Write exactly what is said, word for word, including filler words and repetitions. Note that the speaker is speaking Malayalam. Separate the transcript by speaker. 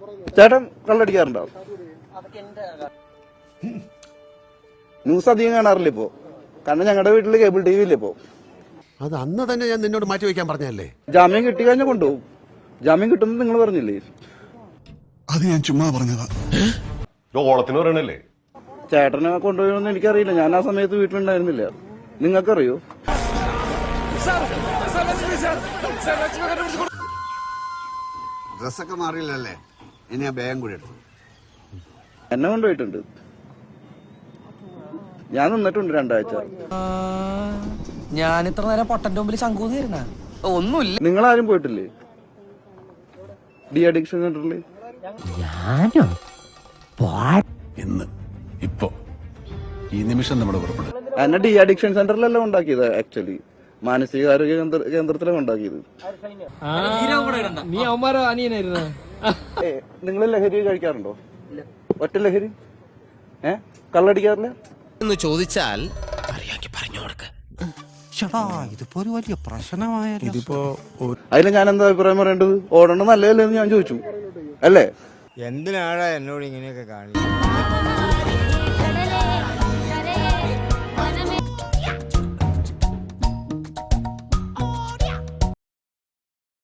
Speaker 1: ചേട്ടൻ കള്ളടിക്കാറുണ്ടോ? ന്യൂസ് അധികം കാണാറില്ല ഇപ്പോ, കാരണം ഞങ്ങളുടെ വീട്ടില് കേബിൾ ടി വി ഇല്ല ഇപ്പോ.
Speaker 2: അത് അന്ന് തന്നെ ഞാൻ നിന്നോട് മാറ്റി വെക്കാൻ പറഞ്ഞല്ലേ.
Speaker 1: ജാമ്യം കിട്ടി കഴിഞ്ഞാൽ കൊണ്ടുപോകും. ജാമ്യം കിട്ടുന്നത് നിങ്ങൾ പറഞ്ഞില്ലേ?
Speaker 3: അത് ഞാൻ ചുമ്മാ പറഞ്ഞതാ.
Speaker 4: ഓളത്തിന് പറയണല്ലേ.
Speaker 1: ചേട്ടനെ കൊണ്ടുപോയെന്ന് എനിക്കറിയില്ല, ഞാൻ ആ സമയത്ത് വീട്ടിലുണ്ടായിരുന്നില്ല. നിങ്ങൾക്കറിയോ?
Speaker 2: ഡ്രസ്സൊക്കെ മാറിയില്ലല്ലേ, ഇനി ആ ബാഗും കൂടി എടുത്തു.
Speaker 1: എന്നെ കൊണ്ടുപോയിട്ടുണ്ട്. ഞാൻ നിന്നിട്ടുണ്ട് രണ്ടാഴ്ച.
Speaker 5: ഞാൻ ഇത്ര നേരം പൊട്ടന്റെ മുമ്പിൽ ശങ്കൂന്നിരുന്ന ഒന്നുമില്ല.
Speaker 1: നിങ്ങളാരും പോയിട്ടില്ലേ ഡി അഡിക്ഷൻ സെന്ററിൽ?
Speaker 3: ഇന്ന് ഇപ്പോ ഈ നിമിഷം നമ്മുടെ പുറപ്പെടും.
Speaker 1: എന്നെ ഡി അഡിക്ഷൻ സെന്ററിലല്ല ഉണ്ടാക്കിയത്, ആക്ച്വലി മാനസികാരോഗ്യ കേന്ദ്രത്തിലാണ് ഉണ്ടാക്കിയത്.
Speaker 6: നീ അവന്മാരോ അനിയനായിരുന്നു?
Speaker 1: നിങ്ങൾ ലഹരി കഴിക്കാറുണ്ടോ? ഒറ്റ ലഹരി? ഏ കള്ളടിക്കാറില്ല
Speaker 7: എന്ന് ചോദിച്ചാൽ
Speaker 2: ഇതിപ്പോ ഒരു വലിയ പ്രശ്നമായ
Speaker 3: ഇതിപ്പോ
Speaker 1: അതിന് ഞാൻ എന്താ അഭിപ്രായം പറയേണ്ടത്? ഓടണം നല്ലതല്ലേ എന്ന് ഞാൻ ചോദിച്ചു, അല്ലേ?
Speaker 8: എന്തിനാടാ എന്നോട് ഇങ്ങനെയൊക്കെ കാണിക്കുന്നത്?